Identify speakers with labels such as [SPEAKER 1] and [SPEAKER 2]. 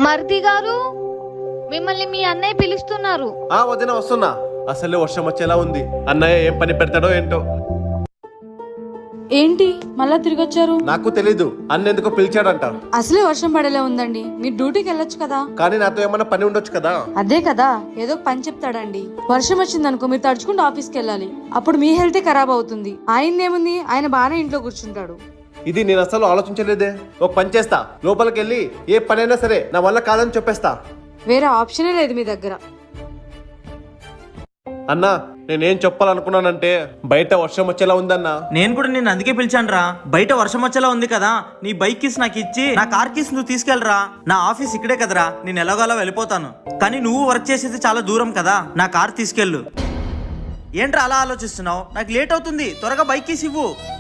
[SPEAKER 1] మరిది గారు, మిమ్మల్ని మీ అన్నయ్య పిలుస్తున్నారు.
[SPEAKER 2] వదిన వస్తున్నా. అసలే వర్షం వచ్చేలా ఉంది. అన్నయ్య ఏం పని పెడతాడో ఏంటో.
[SPEAKER 3] ఏంటి మళ్ళా తిరిగి వచ్చారు?
[SPEAKER 2] నాకు తెలీదు. అన్న ఎందుకో పిలిచాడంట.
[SPEAKER 3] అసలే వర్షం పడేలా ఉందండి, మీరు డ్యూటీకి వెళ్ళొచ్చు కదా.
[SPEAKER 2] కానీ నాతో ఏమన్నా పని ఉండొచ్చు కదా.
[SPEAKER 3] అదే కదా, ఏదో పని చెప్తాడండి. వర్షం వచ్చిందనుకో మీరు తడుచుకుంటూ ఆఫీస్కి వెళ్ళాలి. అప్పుడు మీ హెల్తే ఖరాబ్ అవుతుంది. ఆయనేముంది, ఆయన బాగానే ఇంట్లో కూర్చుంటాడు.
[SPEAKER 2] ఇది నేను అసలు ఆలోచించలేదే. ఒక పని చేస్తా, లోపలికి వెళ్ళి ఏ పనైనా సరే నా వల్ల కాదని చెప్పేస్తా.
[SPEAKER 3] వేరే ఆప్షనే లేదు మీ దగ్గర.
[SPEAKER 2] అన్నా, నేనేం చెప్పాలనుకున్నానంటే బయట వర్షం వచ్చేలా ఉందన్నా.
[SPEAKER 4] నేను కూడా నేను అందుకే పిలిచానురా. బయట వర్షం వచ్చేలా ఉంది కదా, నీ బైక్ కీస్ నాకు ఇచ్చి నా కార్ కీస్ నువ్వు తీసుకెళ్ళరా. నా ఆఫీస్ ఇక్కడే కదరా, నేను ఎలాగోలా వెళ్ళిపోతాను. కానీ నువ్వు వర్క్ చేసేది చాలా దూరం కదా, నా కార్ తీసుకెళ్ళు. ఏంట్రా అలా ఆలోచిస్తున్నావు? నాకు లేట్ అవుతుంది, త్వరగా బైక్ కీస్ ఇవ్వు.